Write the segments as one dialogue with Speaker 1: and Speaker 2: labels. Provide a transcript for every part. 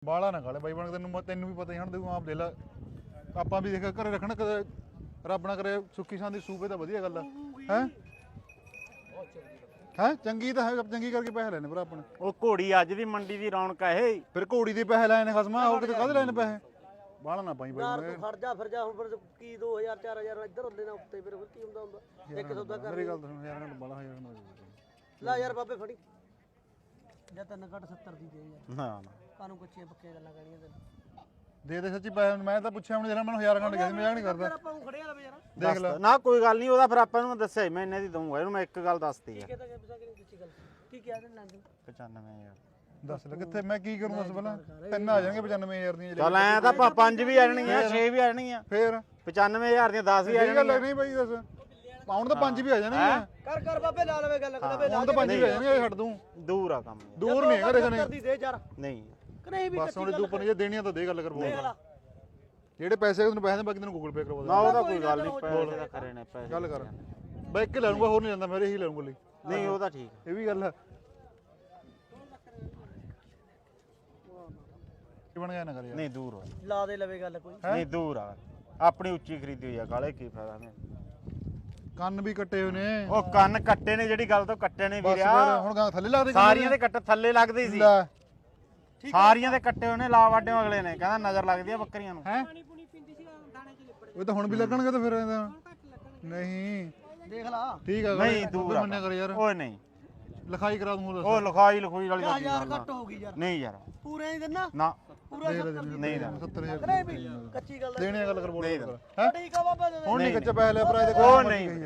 Speaker 1: ਬਾਲਾ ਨਾ ਖਾਲੇ ਬਾਈ ਬਣ ਤੈਨੂੰ ਵੀ ਪਤਾ ਹੀ ਹਣ ਤੂੰ ਆਪ ਦੇ ਲੈ ਆਪਾਂ ਵੀ ਦੇਖ ਘਰੇ ਰੱਖਣਾ ਕਦੇ ਰੱਬ ਨਾ ਕਰੇ ਸੁੱਕੀ ਸਾਂਦੀ ਸੂਪੇ ਤਾਂ ਵਧੀਆ ਗੱਲ ਹੈ ਹੈ ਚੰਗੀ ਤਾਂ ਹੈ ਚੰਗੀ ਕਰਕੇ ਪੈਸੇ ਲੈਣੇ ਭਰਾ ਆਪਣੇ
Speaker 2: ਉਹ ਘੋੜੀ ਅੱਜ ਦੀ ਮੰਡੀ ਦੀ ਰੌਣਕ ਹੈ ਇਹ
Speaker 1: ਫਿਰ ਘੋੜੀ ਦੇ ਪੈਸੇ ਲੈਣੇ ਖਸਮਾ ਹੋਰ ਕਿਤੇ ਕਾਹਦੇ ਲੈਣੇ ਪੈਸੇ ਬਾਲਾ ਨਾ ਪਾਈ ਬਾਈ
Speaker 3: ਤੂੰ ਖੜ ਜਾ ਫਿਰ ਜਾ ਹੁਣ ਫਿਰ ਕੀ 2000 4000 ਇੱਧਰ ਹੁੰਦੇ ਨਾ ਉੱਤੇ ਫਿਰ ਕੀ ਹੁੰਦਾ ਇੱਕ ਸੌਦਾ ਕਰ
Speaker 1: ਮੇਰੀ ਗੱਲ ਸੁਣ ਯਾਰ ਬਾਲਾ ਹਜ਼ਾਰ ਨਾ
Speaker 3: ਲੈ ਯਾਰ ਬਾਬੇ ਫੜੀ ਜਾਂ ਤੈਨੂੰ ਘੱਟ 70 ਦੀ ਦੇ ਯਾਰ
Speaker 2: ਨਾ ਨਾ
Speaker 3: ਕਾਨੂੰ ਕੱਚੀਆਂ ਪੱਕੀਆਂ ਗੱਲਾਂ ਕਰੀਆਂ ਤੈਨੂੰ
Speaker 1: ਦੇ ਸੱਚੀ ਪੈਸੇ ਮੈਂ ਤਾਂ ਪੁੱਛਿਆ ਹੁਣ ਜਿਹੜਾ ਮੈਨੂੰ 1000 ਘੰਟੇ ਗਿਆ ਸੀ ਮਜ਼ਾਕ ਨਹੀਂ ਕਰਦਾ
Speaker 3: ਆਪਾਂ ਨੂੰ ਖੜਿਆ ਲਵੇ ਯਾਰ
Speaker 1: ਦੇਖ ਲੈ
Speaker 2: ਨਾ ਕੋਈ ਗੱਲ ਨਹੀਂ ਉਹਦਾ ਫਿਰ ਆਪਾਂ ਨੂੰ ਦੱਸਿਆ ਮੈਂ ਇੰਨੇ ਦੀ ਦਊਂਗਾ ਇਹਨੂੰ ਮੈਂ ਇੱਕ ਗੱਲ ਦੱਸਤੀ ਆ
Speaker 3: ਕਿਹਦਾ ਕਿ ਨਹੀਂ ਦਿੱਤੀ ਗੱਲ ਕੀ ਕਿਹਾ ਤੈਨੂੰ ਲੰਦੂ
Speaker 2: 95000
Speaker 1: ਦੱਸ ਲੈ ਕਿੱਥੇ ਮੈਂ ਕੀ ਕਰੂੰ ਦੱਸ ਪਹਿਲਾਂ ਤਿੰਨ ਆ ਜਾਣਗੇ 95000 ਦੀਆਂ
Speaker 2: ਚੱਲ ਐ ਤਾਂ ਪੰਜ ਵੀ ਆ ਜਾਣਗੀਆਂ 6 ਵੀ ਆ ਜਾਣਗੀਆਂ
Speaker 1: ਫੇਰ
Speaker 2: 95000 ਦੀਆਂ 10 ਵੀ ਆ
Speaker 1: ਇਹ ਗੱਲ
Speaker 2: ਜਾਣਗੀਆਂ
Speaker 1: ਨਹੀਂ ਬਾਈ ਦੱਸ ਪਾਉਣ ਤਾਂ ਪੰਜ ਵੀ ਆ ਜਾਣਗੇ
Speaker 3: ਕਰ ਬਾਬੇ ਲਾ ਲਵੇ ਗੱਲ ਕਦੇ
Speaker 1: ਹੁਣ ਤਾਂ ਪੰਜ ਵੀ ਆ ਜਾਣਗੇ ਛੱਡ ਦੂੰ
Speaker 2: ਦੂਰ ਆ ਕੰਮ
Speaker 1: ਦੂਰ ਨਹੀਂ ਹੈਗਾ ਦੇਖਣੇ
Speaker 3: ਦੀ ਦੇ ਯਾਰ
Speaker 2: ਨਹੀਂ
Speaker 3: ਕਿ ਨਹੀਂ ਵੀ
Speaker 1: ਬਸ ਹੁਣ ਤੂੰ ਉੱਪਰ ਜੇ ਦੇਣੀਆਂ ਤਾਂ ਦੇ ਗੱਲ ਕਰ ਬੋਲ ਜਿਹੜੇ ਪੈਸੇ ਤੈਨੂੰ ਪੈਸੇ ਬਾਕੀ ਤੈਨੂੰ ਗੂਗਲ ਪੇ ਕਰਵਾ
Speaker 2: ਨਾ ਉਹਦਾ ਕੋਈ ਗੱਲ ਨਹੀਂ ਪੈਸੇ ਦਾ ਕਰੇ ਨੇ ਪੈਸੇ
Speaker 1: ਗੱਲ ਕਰ ਬਾਈ ਇੱਕ ਲੈ ਲੂੰਗਾ ਹੋਰ ਨਹੀਂ ਲੈਂਦਾ ਮੇਰੇ ਹੀ ਲੈ ਲੂੰਗਾ ਲਈ
Speaker 2: ਨਹੀਂ ਉਹਦਾ ਠੀਕ
Speaker 1: ਇਹ ਵੀ ਗੱਲ ਹੈ ਕੀ ਬਣ ਗਿਆ ਨਾ ਕਰ ਯਾਰ
Speaker 2: ਨਹੀਂ ਦੂਰ ਆ
Speaker 3: ਲਾ ਦੇ ਲਵੇ ਗੱਲ ਕੋਈ
Speaker 2: ਨਹੀਂ ਦੂਰ ਆ ਆਪਣੀ ਉੱਚੀ ਖਰੀਦੀ ਹੋਈ ਆ ਕਾਲੇ ਕੀ ਫਾਇਦਾ ਨੇ
Speaker 1: ਕੰਨ ਵੀ ਕੱਟੇ ਹੋਏ ਨੇ
Speaker 2: ਉਹ ਕੰਨ ਕੱਟੇ ਨੇ ਜਿਹੜੀ ਗੱਲ ਤੋਂ ਕੱਟੇ ਨੇ
Speaker 1: ਬਸ
Speaker 2: ਵੀਰਿਆ
Speaker 1: ਫਿਰ ਹੁਣ ਗਾਂ ਥੱਲੇ ਲਾ ਦੇ
Speaker 2: ਸਾਰੀਆਂ ਦੇ ਕੱਟ ਥੱਲੇ ਲੱਗਦੇ ਸੀ
Speaker 1: ਲੈ
Speaker 2: ਸਾਰੀਆਂ ਦੇ ਕੱਟੇ ਉਹਨੇ ਲਾ ਵਾਡਿਓ ਅਗਲੇ ਨੇ ਕਹਿੰਦਾ ਨਜ਼ਰ ਲੱਗਦੀ ਆ ਬੱਕਰੀਆਂ ਨੂੰ
Speaker 1: ਹੈ ਉਹ ਤਾਂ ਹੁਣ ਵੀ ਲੱਗਣਗੇ ਤਾਂ ਫਿਰ ਇਹਦਾ ਨਹੀਂ
Speaker 3: ਦੇਖ ਲਾ
Speaker 1: ਠੀਕ ਆ
Speaker 2: ਨਹੀਂ ਦੂਰ ਆ
Speaker 1: ਮੰਨਿਆ ਕਰ ਯਾਰ
Speaker 2: ਓਏ ਨਹੀਂ
Speaker 1: ਲਿਖਾਈ ਕਰਾ ਦੂੰ
Speaker 2: ਉਹ ਲਿਖਾਈ ਵਾਲੀ ਗੱਲ
Speaker 3: ਯਾਰ ਘੱਟ ਹੋ ਗਈ ਯਾਰ
Speaker 2: ਨਹੀਂ ਯਾਰ
Speaker 3: ਪੂਰੇ ਨਹੀਂ ਦਿੰਨਾ
Speaker 2: ਨਾ
Speaker 3: ਪੂਰਾ
Speaker 2: ਨਹੀਂ ਦਾ
Speaker 1: 70000
Speaker 3: ਨਹੀਂ ਵੀ ਕੱਚੀ ਗੱਲ
Speaker 1: ਦੇਣੇ ਗੱਲ ਕਰ ਬੋਲ
Speaker 2: ਨਹੀਂ
Speaker 1: ਹੈ
Speaker 3: ਠੀਕ ਆ ਬਾਬਾ ਦੇ ਦੇ
Speaker 1: ਹੁਣ ਨਹੀਂ ਕੱਚਾ ਪੈਸੇ ਲੈ ਭਰਾ ਇਹਦੇ
Speaker 2: ਉਹ ਨਹੀਂ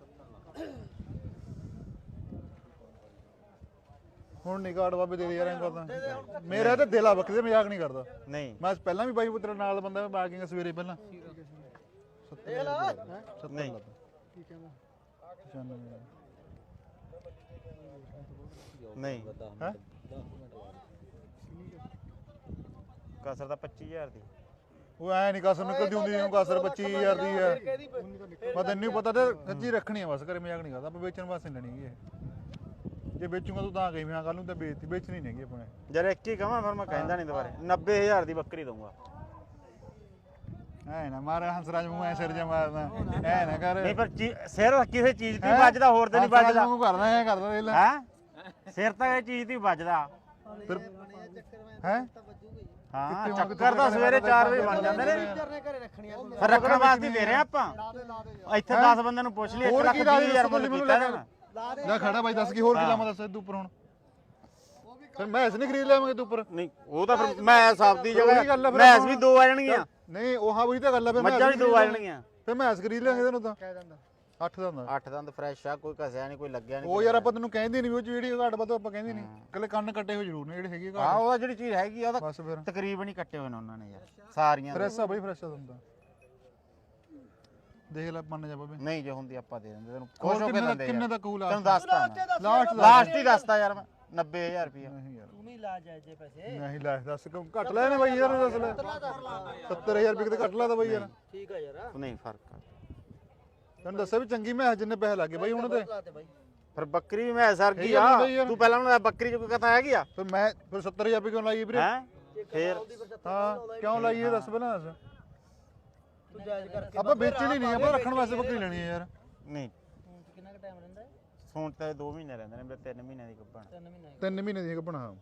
Speaker 1: ਹੁਣ ਨਹੀਂ ਕਾਰਡ ਬਾਬੇ ਦੇ ਦੇ ਯਾਰ ਐਂ ਕਰਦਾ ਮੇਰਾ ਤਾਂ ਦਿਲ ਆ ਬੱਕਰੀ ਮਜ਼ਾਕ ਨਹੀਂ ਕਰਦਾ
Speaker 2: ਨਹੀਂ
Speaker 1: ਮੈਂ ਪਹਿਲਾਂ ਵੀ ਬਾਈ ਪੁੱਤਰ ਨਾਲ ਬੰਦਾ ਮੈਂ ਬਾਕਿੰਗ ਸਵੇਰੇ ਪਹਿਲਾਂ
Speaker 3: ਦੇਖ ਲਾ
Speaker 2: ਨਹੀਂ ਨਹੀਂ
Speaker 1: ਹੈ
Speaker 2: ਕਸਰ ਤਾਂ 25000 ਦੀ
Speaker 1: ਉਹ ਐ ਨਹੀਂ ਕਸਰ ਨਿਕਲਦੀ ਹੁੰਦੀ ਇਹਨੂੰ ਕਸਰ 25000 ਦੀ ਹੈ ਮੈਂ ਤੈਨੂੰ ਪਤਾ ਤੇ ਸੱਚੀ ਰੱਖਣੀ ਆ ਬਸ ਕਰੇ ਮਜ਼ਾਕ ਨਹੀਂ ਕਰਦਾ ਆਪਾਂ ਵੇਚਣ ਵਾਸਤੇ ਲੈਣੀ ਹੈ ਜੇ ਵੇਚੂਗਾ ਤੂੰ ਤਾਂ ਕਹੀ ਮੈਂ ਕੱਲ ਨੂੰ ਤਾਂ ਵੇਚਣੀ ਨਹੀਂ ਹੈਗੀ ਆਪਣੇ
Speaker 2: ਜਦ ਇੱਕ ਹੀ ਕਹਾਂ ਫਿਰ ਮੈਂ ਕਹਿੰਦਾ ਨਹੀਂ ਦੁਬਾਰੇ 90000 ਦੀ ਬੱਕਰੀ ਦਊਂਗਾ
Speaker 1: ਐ ਨਾ ਮਾਰ ਹੰਸਰਾਜ ਮੂੰਹ ਐ ਸਿਰ ਜਾ ਮਾਰਦਾ ਐ ਨਾ ਕਰ
Speaker 2: ਨਹੀਂ ਪਰ ਸਿਰ ਕਿਸੇ ਚੀਜ਼ ਤੇ ਵੱਜਦਾ ਹੋਰ ਤੇ ਨਹੀਂ ਵੱਜਦਾ
Speaker 1: ਮੂੰਹ ਕਰਦਾ ਐ ਕਰਦਾ ਇਹ ਲੈ
Speaker 2: ਹੈ ਸਿਰ ਤਾਂ ਇਹ ਚੀਜ਼ ਤੇ ਵੱਜਦਾ
Speaker 1: ਫਿਰ ਹੈ
Speaker 2: ਹਾਂ ਚੱਕਰ ਤਾਂ ਸਵੇਰੇ 4 ਵਜੇ ਬਣ ਜਾਂਦੇ ਨੇ
Speaker 3: ਘਰੇ ਰੱਖਣੀ ਆ
Speaker 2: ਫਿਰ ਰੱਖਣ ਵਾਸਤੇ ਦੇ ਰਹੇ ਆਪਾਂ ਇੱਥੇ 10 ਬੰਦਿਆਂ ਨੂੰ ਪੁੱਛ ਲਈ 1 ਲੱਖ 20,000 ਮੁੱਲ ਕੀਤਾ ਨਾ
Speaker 1: ਲੈ ਖੜਾ ਬਾਈ ਦੱਸ ਕੀ ਹੋਰ ਕੀ ਲਾਵਾਂ ਦੱਸ ਤੂੰ ਉੱਪਰ ਹੁਣ ਫਿਰ ਮੈਂ ਇਸ ਨਹੀਂ ਖਰੀਦ ਲਿਆਵਾਂਗੇ ਤੂੰ ਉੱਪਰ
Speaker 2: ਨਹੀਂ ਉਹ ਤਾਂ ਫਿਰ ਮੈਂ ਸਭ ਦੀ ਜਗ੍ਹਾ ਮੈਸ ਵੀ 2 ਆ ਜਾਣਗੀਆਂ
Speaker 1: ਨਹੀਂ ਉਹ ਹਾਂ ਉਹੀ ਤਾਂ ਗੱਲ ਆ ਫਿਰ
Speaker 2: ਮੱਝਾਂ ਵੀ 2 ਆ ਜਾਣਗੀਆਂ
Speaker 1: ਫਿਰ ਮੈਂ ਇਸ ਖਰੀਦ ਲਿਆਂਗੇ ਤੈਨੂੰ ਤਾਂ 8 ਦਾ ਹੁੰਦਾ
Speaker 2: 8 ਦੰਦ ਫਰੈਸ਼ ਆ ਕੋਈ ਘਸਿਆ ਨਹੀਂ ਕੋਈ ਲੱਗਿਆ ਨਹੀਂ
Speaker 1: ਉਹ ਯਾਰ ਆਪਾਂ ਤੈਨੂੰ ਕਹਿੰਦੇ ਨਹੀਂ ਉਹ ਜਿਹੜੀ ਘਾਟ ਵੱਧ ਆਪਾਂ ਕਹਿੰਦੇ ਨਹੀਂ ਕੱਲੇ ਕੰਨ ਕੱਟੇ ਹੋਏ ਜ਼ਰੂਰ ਨੇ ਜਿਹੜੇ ਹੈਗੇ
Speaker 2: ਹਾਂ
Speaker 1: ਘਾਟ
Speaker 2: ਉਹਦਾ ਜਿਹੜੀ ਚੀਜ਼ ਹੈਗੀ ਆ ਉਹਦਾ
Speaker 1: ਬਸ ਫਿਰ
Speaker 2: ਤਕਰੀਬਨ ਹੀ ਕੱਟੇ ਹੋਏ ਨੇ ਉਹਨਾਂ ਨੇ ਯਾਰ ਸਾਰੀਆਂ ਦੇ।
Speaker 1: ਫਰੈਸ਼ ਆ ਬਈ ਫਰੈਸ਼ ਆ ਹੁੰਦਾ ਦੇਖ ਲੈ ਮੰਨ ਜਾ ਬਾਬੇ
Speaker 2: ਨਹੀਂ ਜੇ ਹੁੰਦੀ ਆਪਾਂ ਦੇ ਦਿੰਦੇ ਤੈਨੂੰ ਖੁਸ਼ ਹੋ ਕੇ ਦਿੰਦੇ
Speaker 1: ਕਿੰਨੇ
Speaker 2: ਯਾਰ।
Speaker 1: ਦਾ ਕੂਲ ਆ
Speaker 2: ਤੈਨੂੰ ਦੱਸਤਾ
Speaker 1: ਲਾਸਟ
Speaker 2: ਲਾਸਟ ਹੀ ਦੱਸਤਾ ਯਾਰ ਮੈਂ 90000 ਰੁਪਇਆ
Speaker 1: ਨਹੀਂ ਯਾਰ
Speaker 3: ਤੂੰ ਵੀ ਲਾ ਜਾਏ ਜੇ ਪੈਸੇ
Speaker 1: ਨਹੀਂ ਲੈ ਦੱਸ ਕਿਉਂ ਘੱਟ ਲੈ ਨੇ ਬਾਈ ਯਾਰ ਦੱਸ ਲੈ 70000 ਰੁਪਏ ਕਿਤੇ ਘੱਟ ਲਾ ਤਾ ਬਾਈ ਯਾਰ
Speaker 3: ਠੀਕ ਆ ਯਾਰ
Speaker 2: ਨਹੀਂ ਫਰਕ ਆ
Speaker 1: ਤੈਨੂੰ ਦੱਸਿਆ ਵੀ ਚੰਗੀ ਮੈਂ ਜਿੰਨੇ ਪੈਸੇ ਲੱਗੇ ਬਾਈ ਹੁਣ ਤੇ
Speaker 3: ਲਾ ਤੇ ਬਾਈ
Speaker 2: ਫਿਰ ਬੱਕਰੀ ਵੀ ਮੈਂ ਸਰ ਗਈ
Speaker 1: ਇਹ ਗੱਲ ਨਹੀਂ
Speaker 2: ਆ
Speaker 1: ਯਾਰ।
Speaker 2: ਤੂੰ ਪਹਿਲਾਂ ਉਹਨਾਂ ਬੱਕਰੀ ਚ ਕੋਈ ਕਥਾ ਹੈਗੀ ਆ
Speaker 1: ਫਿਰ ਮੈਂ ਫਿਰ 70000 ਰੁਪਏ ਕਿਉਂ ਲਾਈ ਵੀਰੇ
Speaker 2: ਹੈ ਫਿਰ
Speaker 1: ਹਾਂ ਕਿਉਂ ਲਾਈ ਇਹ ਦੱਸ ਪਹਿਲਾਂ ਦੱਸ
Speaker 3: ਤੂੰ ਜਾਇਜ਼ ਕਰਕੇ
Speaker 1: ਆਪਾਂ ਵੇਚਣੀ ਨਹੀਂ ਆਪਾਂ ਰੱਖਣ ਵਾਸਤੇ ਬੱਕਰੀ ਲੈਣੀ ਹੈ ਯਾਰ
Speaker 2: ਨਹੀਂ
Speaker 3: ਕਿੰਨਾ ਕੁ ਟਾਈਮ ਰਹਿੰਦਾ
Speaker 2: ਸੌਣ ਤਾਂ 2 ਮਹੀਨੇ ਰਹਿੰਦੇ ਨੇ ਮੇਰੇ 3 ਮਹੀਨਿਆਂ ਦੀ ਗੱਭਣ
Speaker 3: 3 ਮਹੀਨੇ
Speaker 1: 3 ਮਹੀਨੇ ਦੀ ਕੱਪਣਾ ਹਾਂ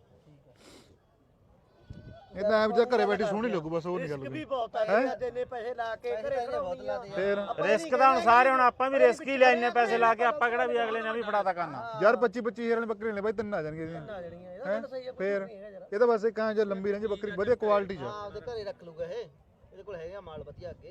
Speaker 1: ਇਹ ਤਾਂ ਐ ਘਰੇ ਬੈਠੀ ਸੋਹਣੀ ਲੱਗੂ ਬਸ ਉਹ ਨਹੀਂ ਗੱਲ
Speaker 3: ਵੀ ਬਹੁਤ ਆ ਯਾਰ ਇੰਨੇ ਪੈਸੇ ਲਾ ਕੇ ਘਰੇ ਖੜਾਉਂਦੀ ਆ
Speaker 1: ਫੇਰ
Speaker 2: ਰਿਸਕ ਦਾ ਹੁਣ ਸਾਰੇ ਹੁਣ ਆਪਾਂ ਵੀ ਰਿਸਕ ਹੀ ਲੈ ਇੰਨੇ ਪੈਸੇ ਲਾ ਕੇ ਆਪਾਂ ਕਿਹੜਾ ਵੀ ਅਗਲੇ ਨੇ ਵੀ ਫੜਾਤਾ ਕਰਨਾ
Speaker 1: ਯਾਰ 25-25000 ਵਾਲੀ ਬੱਕਰੀ ਲੈਣੇ ਬਾਈ ਤਿੰਨ ਆ ਜਾਣਗੇ ਇਹਦੀਆਂ
Speaker 3: ਆ ਜਣੀਆਂ ਇਹਦਾ ਸਹੀ ਆ
Speaker 1: ਫੇਰ ਇਹ ਤਾਂ ਬਸ ਕਾਂ ਜੇ ਲੰਬੀ ਰਹਿੰਦੀ ਬੱਕਰੀ ਵਧੀਆ ਕੁਆਲਿਟੀ ਚ
Speaker 3: ਹਾਂ ਉਹਦੇ ਘਰੇ ਰੱਖ ਲੂਗਾ ਇਹ ਇਹਦੇ ਕੋਲ ਹੈਗਾ ਮਾਲ ਵਧੀਆ ਅੱਗੇ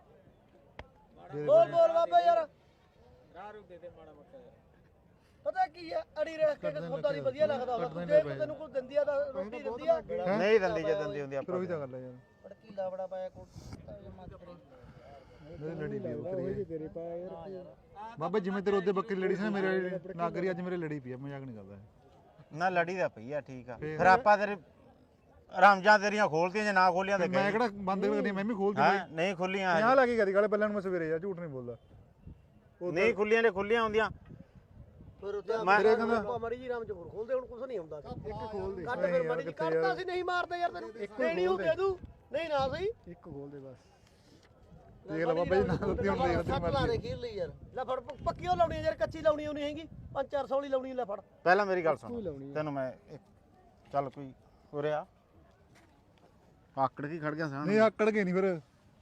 Speaker 3: ਬੋਲ ਬੋਲ ਬਾਬਾ ਯਾਰ ਰਾਰੂ ਦੇ ਦੇ ਮਾੜਾ ਮੋਟਾ ਪਤਾ ਕੀ ਆ ਅੜੀ ਰਹਿ ਕੇ ਸੌਦਾ ਨਹੀਂ ਵਧੀਆ ਲੱਗਦਾ ਹੁੰਦਾ ਜੇ ਤੈਨੂੰ ਕੋਈ ਦਿੰਦੀ ਆ ਤਾਂ ਰੋਟੀ ਦਿੰਦੀ ਆ
Speaker 2: ਨਹੀਂ ਦਿੰਦੀ ਜੇ ਦਿੰਦੀ ਹੁੰਦੀ
Speaker 1: ਫਿਰ
Speaker 2: ਆਪਾਂ
Speaker 1: ਉਹੀ ਤਾਂ ਗੱਲ ਹੈ ਯਾਰ
Speaker 3: ਪੜਕੀਲਾ ਬੜਾ ਪਾਇਆ ਕੋਟ
Speaker 1: ਮੇਰੇ ਲੜੀ ਪਈ ਬੱਕਰੀ ਤੇਰੇ ਪਾਇਆ ਯਾਰ ਬਾਬਾ ਜਿਵੇਂ ਤੇਰੇ ਉਹਦੇ ਬੱਕਰੀ ਲੜੀ ਸੀ ਨਾ ਮੇਰੇ ਨਾਗਰੀ ਅੱਜ ਮੇਰੇ ਲੜੀ ਪਈ ਆ ਮਜ਼ਾਕ ਨਹੀਂ ਕਰਦਾ
Speaker 2: ਨਾ ਲੜੀ ਦਾ ਪਈ ਆ ਠੀਕ ਆ ਫਿਰ ਆਪਾਂ ਤੇਰੇ ਰਾਮਜਾਂ ਤੇਰੀਆਂ ਖੋਲਤੀਆਂ ਜੇ ਨਾ ਖੋਲੀਆਂ ਤੇ
Speaker 1: ਮੈਂ ਕਿਹੜਾ ਬੰਦ ਕਰਦੀ ਮੈਂ ਵੀ ਖੋਲਦੀ
Speaker 2: ਹਾਂ ਨਹੀਂ ਖੁੱਲੀਆਂ
Speaker 1: 50 ਲੱਗੀ ਗਈ ਗਾਲੇ ਪਹਿਲਾਂ ਨੂੰ ਮੈਂ ਸਵੇਰੇ ਯਾਰ ਝੂਠ ਨਹੀਂ ਬੋਲਦਾ
Speaker 2: ਨਹੀਂ ਖੁੱਲੀਆਂ ਨੇ ਖੁੱਲੀਆਂ ਹੁੰਦੀਆਂ
Speaker 3: ਫਿਰ ਉੱਤੇ
Speaker 1: ਤੇਰੇ ਕਹਿੰਦਾ
Speaker 3: ਮੜੀ ਜੀ ਰਾਮ ਚ ਹੋਰ ਖੋਲਦੇ ਹੁਣ ਕੁਝ ਨਹੀਂ ਹੁੰਦਾ
Speaker 4: ਇੱਕ ਖੋਲ ਦੇ
Speaker 3: ਕੱਟ ਫਿਰ ਮੜੀ ਜੀ ਕੱਟਦਾ ਸੀ ਨਹੀਂ ਮਾਰਦੇ ਯਾਰ ਤੈਨੂੰ ਦੇਣੀ ਉਹ ਦੇ ਦੂ ਨਹੀਂ ਨਾ ਸਹੀ
Speaker 4: ਇੱਕ ਖੋਲ ਦੇ ਬਸ
Speaker 1: ਦੇਖ ਲੈ ਬਾਬਾ ਜੀ ਨਾ ਦਿੱਤੀ ਹੁਣ ਦੇਖ
Speaker 3: ਸੱਟ ਲਾ ਦੇ ਖੀਰ ਲਈ ਯਾਰ ਲੈ ਫੜ ਪੱਕੀਓ ਲਾਉਣੀ ਯਾਰ ਕੱਚੀ ਲਾਉਣੀ ਉਹ ਨਹੀਂ ਹੈਗੀ 5-400 ਵਾਲੀ ਲਾਉਣੀ ਲੈ ਫੜ
Speaker 2: ਪਹਿਲਾਂ ਮੇਰੀ ਗੱਲ
Speaker 4: ਤੂੰ
Speaker 2: ਸੁਣ
Speaker 4: ਲਾਉਣੀ
Speaker 2: ਤੈਨੂੰ ਮੈਂ ਚੱਲ ਕੋਈ ਉਰੇ ਆ ਆਕੜ ਕੇ ਖੜ ਗਿਆ ਸਾਂ
Speaker 1: ਨਹੀਂ ਆਕੜ ਕੇ ਨਹੀਂ ਫਿਰ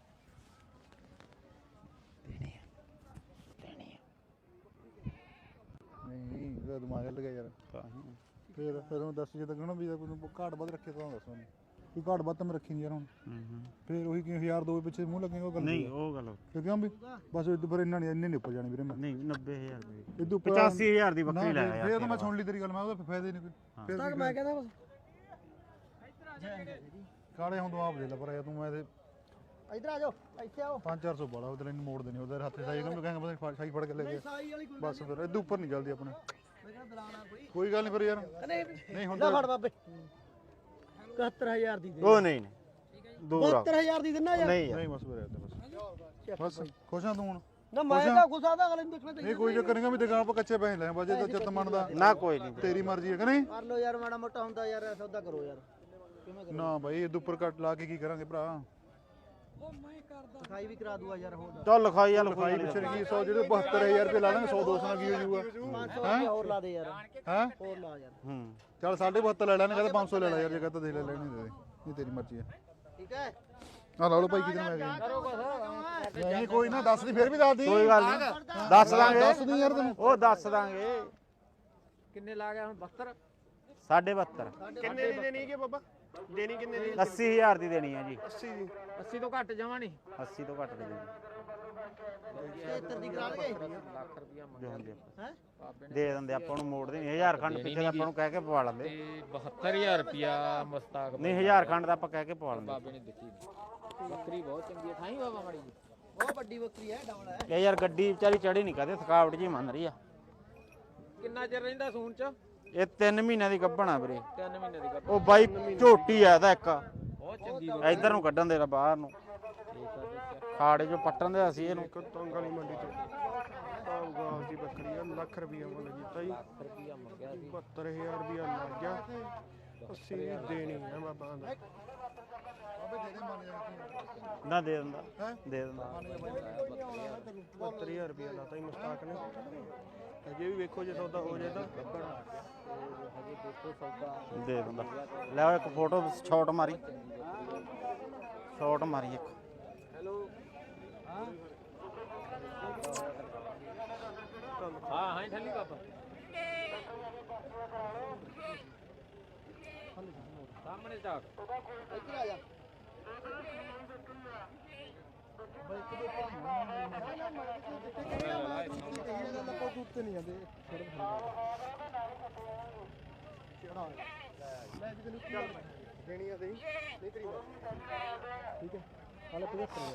Speaker 1: ਨਹੀਂ ਇਹਦਾ ਦਿਮਾਗ ਹਿੱਲ ਗਿਆ ਯਾਰ ਫਿਰ ਉਹ ਦੱਸ ਜੇ ਤਾਂ ਕਹਣਾ ਵੀ ਤੈਨੂੰ ਘਾਟ ਵੱਧ ਰੱਖੇ ਤਾਂ ਦੱਸ ਮੈਨੂੰ ਕੋਈ ਘਾਟ ਵੱਧ ਤਾਂ ਮੈਂ ਰੱਖੀ ਨਹੀਂ ਯਾਰ ਹੁਣ ਫਿਰ ਉਹੀ ਕਿ 1000 ਦੋ ਪਿੱਛੇ ਮੂੰਹ ਲੱਗੇਗਾ ਉਹ ਗੱਲ
Speaker 2: ਨਹੀਂ ਉਹ ਗੱਲ
Speaker 1: ਕਿਉਂ ਵੀ ਬਸ ਇਹ ਫਿਰ ਇੰਨਾ ਨਹੀਂ ਇੰਨੇ ਨਹੀਂ ਉੱਪਰ ਜਾਣੇ ਵੀਰੇ ਮੈਂ
Speaker 2: ਨਹੀਂ 90000 ਰੁਪਏ
Speaker 1: ਇਹ ਤੋਂ
Speaker 2: 85000 ਦੀ ਬੱਕਰੀ ਲੈ ਆਇਆ
Speaker 1: ਫਿਰ ਤਾਂ ਮੈਂ ਸੁਣ ਲਈ ਤੇਰੀ ਗੱਲ ਮੈਂ ਉਹਦਾ ਫਾਇਦਾ ਹੀ ਨਹੀਂ ਕੋਈ ਫਿਰ
Speaker 3: ਤੱਕ ਮੈਂ ਕਹਿੰਦਾ ਬਸ
Speaker 1: ਕਾਲੇ ਹੁਣ ਤੂੰ ਆਪ ਦੇ ਲੈ ਪਰ ਤੂੰ ਮੈਂ ਤੇ
Speaker 3: ਇੱਧਰ ਆ ਜਾਓ ਇੱਥੇ ਆਓ
Speaker 1: 5-400 ਬੜਾ ਉਹਦੇ ਨੂੰ ਮੋੜ ਦੇਣੀ ਉਹਦੇ ਹੱਥੇ ਸਾਈ ਕਹਿੰਦਾ ਕਹਿੰਦਾ ਬਸ ਸਾਈ ਫੜ ਕੇ ਲੈ ਗਿਆ
Speaker 3: ਸਾਈ ਵਾਲੀ ਕੋਈ
Speaker 1: ਬਸ ਫਿਰ ਇਹਦੇ ਉੱਪਰ ਨਹੀਂ ਚੱਲਦੀ ਆਪਣੇ
Speaker 3: ਮੈਂ ਕਹਿੰਦਾ ਦਲਾਣਾ
Speaker 1: ਕੋਈ ਗੱਲ ਨਹੀਂ ਫਿਰ ਯਾਰ
Speaker 3: ਨਹੀਂ
Speaker 1: ਨਹੀਂ ਹੁਣ
Speaker 3: ਲੈ ਫੜ ਬਾਬੇ 71000 ਦੀ ਦੇ
Speaker 2: ਉਹ ਨਹੀਂ ਦੂਰ ਆ
Speaker 3: 72000 ਦੀ ਦਿੰਨਾ ਯਾਰ
Speaker 2: ਨਹੀਂ
Speaker 1: ਨਹੀਂ ਬਸ ਫਿਰ ਬਸ ਖੁਸ਼ ਆ ਤੂੰ ਹੁਣ
Speaker 3: ਨਾ ਮੈਂ ਤਾਂ ਗੁੱਸਾ ਦਾ ਅਗਲੇ ਨੂੰ ਦੇਖਣਾ
Speaker 1: ਨਹੀਂ ਕੋਈ ਚੱਕਰ ਨਹੀਂ ਵੀ ਦੁਕਾਨ ਆਪਾਂ ਕੱਚੇ ਪੈਸੇ ਲੈ ਬਾਜੇ ਤਾਂ ਚਿੱਤ ਮੰਨਦਾ
Speaker 2: ਨਾ ਕੋਈ ਨਹੀਂ
Speaker 1: ਤੇਰੀ ਮਰਜ਼ੀ ਹੈ ਕਿ ਨਹੀਂ
Speaker 3: ਕਰ ਲੋ ਯਾਰ ਮਾੜਾ ਮੋਟਾ ਹੁੰਦਾ ਯਾਰ ਸੌਦਾ ਕਰੋ ਯਾਰ ਕਿਵੇਂ ਕਰੋ
Speaker 1: ਨਾ ਭਾਈ ਇਹਦੇ ਉੱਪਰ ਕੱਟ ਲਾ ਕੇ ਕੀ ਕਰਾਂਗੇ ਭਰਾ
Speaker 3: ਸਫਾਈ ਵੀ ਕਰਾ ਦੂਆ ਯਾਰ ਹੋਰ
Speaker 2: ਚੱਲ ਲਿਖਾਈ ਆ
Speaker 1: ਲਿਖਾਈ ਪਿੱਛੇ ਕੀ 100 ਜਿਹੜੇ 72000 ਰੁਪਏ ਲਾ ਲਾਂਗੇ 100 200 ਨਾਲ ਕੀ ਹੋ ਜਾਊਗਾ
Speaker 3: 500 ਰੁਪਏ ਹੋਰ ਲਾ ਦੇ ਯਾਰ
Speaker 1: ਹੈ
Speaker 3: ਹੋਰ ਲਾ ਯਾਰ
Speaker 2: ਹੂੰ
Speaker 1: ਚੱਲ 7.5 ਲੈ ਲੈਣੇ ਕਹਿੰਦਾ 500 ਲੈ ਲੈ ਯਾਰ ਜੇ ਕਹਤਾ ਦੇ ਲੈ ਲੈਣੇ ਦੇ ਨਹੀਂ ਤੇਰੀ ਮਰਜ਼ੀ ਹੈ
Speaker 3: ਠੀਕ ਹੈ
Speaker 1: ਆ ਲਾ ਲਓ ਭਾਈ ਕਿਤੇ ਮੈਂ ਗਿਆ
Speaker 3: ਕਰੋ ਕੁਛ
Speaker 1: ਨਹੀਂ ਕੋਈ ਨਾ ਦੱਸ ਦੀ ਫਿਰ ਵੀ ਦੱਸ ਦੀ
Speaker 2: ਕੋਈ ਗੱਲ ਨਹੀਂ ਦੱਸ ਦਾਂਗੇ
Speaker 1: ਦੱਸ ਦੀ ਯਾਰ ਤੈਨੂੰ
Speaker 2: ਉਹ ਦੱਸ ਦਾਂਗੇ
Speaker 3: ਕਿੰਨੇ ਲਾ ਗਿਆ ਹੁਣ 72
Speaker 2: 72.5
Speaker 4: ਕਿੰਨੇ ਦੀ ਦੇਣੀ ਹੈ ਬਾਬਾ ਦੇਣੀ ਕਿੰਨੇ ਦੀ
Speaker 2: 80000 ਦੀ ਦੇਣੀ ਹੈ ਜੀ
Speaker 4: 80 ਦੀ
Speaker 3: 80 ਤੋਂ ਘੱਟ ਜਾਵਾਂ ਨਹੀਂ
Speaker 2: 80 ਤੋਂ ਘੱਟ ਨਹੀਂ ਦੇਣੀ
Speaker 3: 76 ਦੀ ਕਰਾ ਲਗੇ
Speaker 2: ਲੱਖ ਰੁਪਿਆ ਮੰਗਿਆ
Speaker 3: ਹੈ
Speaker 2: ਦੇ ਦਿੰਦੇ ਆਪਾਂ ਨੂੰ ਮੋੜਦੇ ਨਹੀਂ 1000 ਖੰਡ ਪਿੱਛੇ ਤਾਂ ਆਪਾਂ ਨੂੰ ਕਹਿ ਕੇ ਪਵਾ ਲੈਂਦੇ
Speaker 5: 72000 ਰੁਪਿਆ ਮਸਤਾਕ
Speaker 2: ਨਹੀਂ 1000 ਖੰਡ ਦਾ ਆਪਾਂ ਕਹਿ ਕੇ ਪਵਾ ਲੈਂਦੇ
Speaker 5: ਬਾਬੇ ਨੇ ਦਿੱਤੀ ਬੱਕਰੀ ਬਹੁਤ ਚੰਗੀ ਹੈ ਠਾਈ ਬਾਬਾ ਮਾੜੀ ਜੀ
Speaker 3: ਬਹੁਤ ਵੱਡੀ ਬੱਕਰੀ ਹੈ ਡਬਲ ਹੈ
Speaker 2: ਇਹ ਯਾਰ ਗੱਡੀ ਵਿਚਾਰੀ ਚੜੀ ਨਹੀਂ ਕਦੇ ਥਕਾਵਟ ਜੀ ਮੰਨ ਰਹੀ ਆ
Speaker 5: ਕਿੰਨਾ ਚਿਰ ਰਹਿੰਦਾ ਸੂਣ ਚ
Speaker 2: ਇਹ 3 ਮਹੀਨਿਆਂ ਦੀ ਗੱਭਣਾ ਵੀਰੇ
Speaker 5: 3 ਮਹੀਨੇ ਦੀ ਗੱਲ
Speaker 2: ਉਹ ਬਾਈ ਝੋਟੀ ਆ ਇਹਦਾ ਇੱਕ
Speaker 5: ਬਹੁਤ ਚੰਗੀ
Speaker 2: ਇੱਧਰ ਨੂੰ ਕੱਢਣ ਦੇ ਬਾਹਰ ਨੂੰ ਖਾੜੇ ਚੋਂ ਪੱਟਣ ਦੇ ਅਸੀਂ ਇਹਨੂੰ
Speaker 4: ਤੰਗ ਵਾਲੀ ਮੰਡੀ ਤੋਂ ਆਊਗਾ ਦੀ ਬੱਕਰੀ ਆ ਲੱਖ ਰੁਪਿਆ ਮੁੱਲ ਕੀਤਾ ਜੀ
Speaker 5: ਰੁਪਿਆ ਮੰਗਿਆ ਸੀ
Speaker 4: 72000 ਰੁਪਿਆ ਲੱਗ ਗਿਆ 80 ਦੀ ਦੇਣੀ ਹੈ ਬਾਬਾ ਦਾ
Speaker 2: ਨਾ ਦੇ ਦਿੰਦਾ ਦੇ ਦਿੰਦਾ
Speaker 4: 72000 ਰੁਪਿਆ ਲਾਤਾ ਹੀ ਮੁਸਤਾਕ ਨੇ ਅਜੇ ਵੀ ਵੇਖੋ ਜੇ ਸੌਦਾ ਹੋ ਜਾਏ ਤਾਂ
Speaker 5: ਹਜੇ ਦੇਖੋ ਸੌਦਾ
Speaker 2: ਦੇ ਦਿੰਦਾ ਲੈ ਉਹ ਇੱਕ ਫੋਟੋ ਸ਼ਾਟ ਮਾਰੀ ਸ਼ਾਟ ਮਾਰੀ ਇੱਕ
Speaker 5: ਹਾਂ ਹਾਂ ਠੱਲੀ ਬਾਬਾ ਸਾਹਮਣੇ ਝਾਕ
Speaker 3: ਇੱਧਰ ਆ ਜਾ
Speaker 4: ਦੇਣੀ ਆ ਸਹੀ ਨਹੀਂ ਤੇਰੀ ਠੀਕ ਹੈ ਹਾਲੇ 75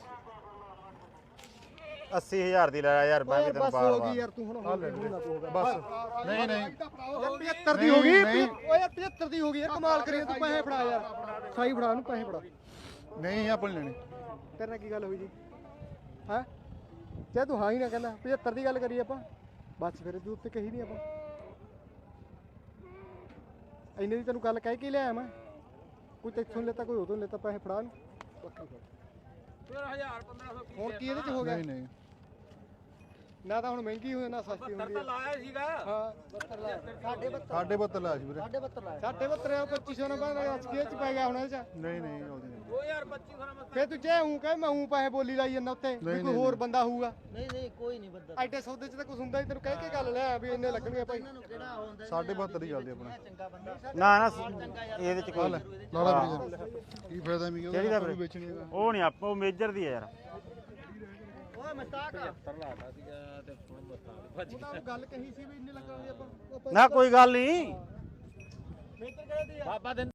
Speaker 2: 80000 ਦੀ ਲੈ ਯਾਰ ਮੈਂ ਵੀ ਤੈਨੂੰ
Speaker 4: ਬਸ
Speaker 2: ਬਾਰ
Speaker 4: ਹੋ ਗਈ
Speaker 2: ਬਾਰ
Speaker 4: ਯਾਰ ਤੂੰ ਹੁਣ ਹੋ ਗਈ
Speaker 1: ਬਸ ਨਹੀਂ ਨਹੀਂ
Speaker 4: 75 ਦੀ ਹੋ ਗਈ ਓਏ ਯਾਰ 75 ਦੀ ਹੋ ਗਈ ਯਾਰ ਕਮਾਲ ਕਰੀ ਤੂੰ ਪੈਸੇ ਫੜਾ ਯਾਰ ਸਾਈ ਫੜਾ ਉਹਨੂੰ ਪੈਸੇ ਫੜਾ
Speaker 1: ਨਹੀਂ ਆਪਾਂ ਨੀ ਲੈਣੇ
Speaker 4: ਤੇਰੇ ਨਾਲ ਕੀ ਗੱਲ ਹੋਈ ਜੀ ਹੈ ਜੇ ਤੂੰ ਹਾਂ ਹੀ ਨਾ ਕਹਿੰਦਾ 75 ਦੀ ਗੱਲ ਕਰੀ ਆਪਾਂ ਬਸ ਫਿਰ ਤੂੰ ਉੱਤੇ ਕਹੀ ਨਹੀਂ ਆਪਾਂ ਇੰਨੇ ਦੀ ਤੈਨੂੰ ਗੱਲ ਕਹਿ ਕੇ ਲਿਆਇਆ ਮੈਂ ਕੋਈ ਤੈਥੋਂ ਲੈਤਾ ਕੋਈ ਉਦੋਂ ਲੈਤਾ ਪੈਸੇ ਫੜਾ ਨੂੰ
Speaker 5: ਫਿਰ 1000 1500
Speaker 4: ਹੁਣ ਕੀ ਇਹਦੇ ਚ ਹੋ ਗਿਆ
Speaker 1: ਨਹੀਂ ਨਹੀਂ
Speaker 4: ਨਾ ਤਾਂ ਹੁਣ ਮਹਿੰਗੀ ਹੋਈ ਨਾ ਸਸਤੀ ਹੁੰਦੀ ਹੈ
Speaker 5: ਲਾਇਆ ਸੀਗਾ
Speaker 4: ਹਾਂ
Speaker 3: 72 ਲਾ 72
Speaker 1: 72 ਲਾਇਆ ਸੀ ਵੀਰੇ
Speaker 3: 72 ਲਾ
Speaker 4: ਸਾਡੇ 72 2500 ਨਾ ਬਾਅਦ ਅਸਕੀਏ ਚ ਪੈ ਗਿਆ ਹੁਣ ਇਹਦੇ ਚ
Speaker 1: ਨਹੀਂ ਨਹੀਂ ਆਉਂਦੀ ਨਹੀਂ
Speaker 5: 2025 ਸੋਨਾ
Speaker 4: ਫੇਰ ਤੂੰ ਜੇ ਹੂੰ ਕਹੇ ਮੈਂ ਹੂੰ ਪੈਸੇ ਬੋਲੀ ਲਾਈ ਜਾਂਦਾ ਉੱਤੇ ਵੀ ਕੋਈ ਹੋਰ ਬੰਦਾ ਹੋਊਗਾ
Speaker 3: ਨਹੀਂ ਨਹੀਂ ਕੋਈ ਨਹੀਂ ਬੰਦਾ
Speaker 4: ਐਡੇ ਸੌਦੇ ਚ ਤਾਂ ਕੁਝ ਹੁੰਦਾ ਹੀ ਤੈਨੂੰ ਕਹਿ ਕੇ ਗੱਲ ਲੈ ਵੀ ਇੰਨੇ ਲੱਗਣਗੇ ਭਾਈ
Speaker 3: ਇਹਨਾਂ ਨੂੰ ਕਿਹੜਾ ਹੁੰਦਾ
Speaker 1: 72 ਦੀ ਚੱਲਦੀ ਆਪਣਾ
Speaker 3: ਚੰਗਾ ਬੰਦਾ
Speaker 2: ਨਾ ਨਾ ਇਹਦੇ ਚ ਕੋਈ
Speaker 1: ਲਾਲਾ ਵੀਰੇ ਕੀ ਫਾਇਦਾ ਮੀ
Speaker 2: ਕਿਹੜੀ ਦਾ
Speaker 1: ਉਹ
Speaker 2: ਵੀਰੇ?
Speaker 1: ਵੇਚਣੀ ਹੈਗਾ
Speaker 2: ਉਹ ਨਹੀਂ ਆਪਾਂ ਉਹ ਮੇਜਰ ਦੀ ਆ ਯਾਰ
Speaker 3: ਓਏ ਮਸਤਾਕ
Speaker 5: ਲਾਤਾ ਸੀਗਾ ਤੇ ਹੁਣ ਮਸਤਾਕ ਭੱਜ
Speaker 4: ਉਹ ਗੱਲ ਕਹੀ ਸੀ ਵੀ ਇੰਨੇ ਲੱਗਣਗੇ ਆਪਾਂ
Speaker 2: ਨਾ ਕੋਈ ਗੱਲ ਨਹੀਂ
Speaker 3: ਮੇਤਰ ਕਿਹੜੇ ਦੀ ਆ
Speaker 5: ਬਾਬਾ ਦੇ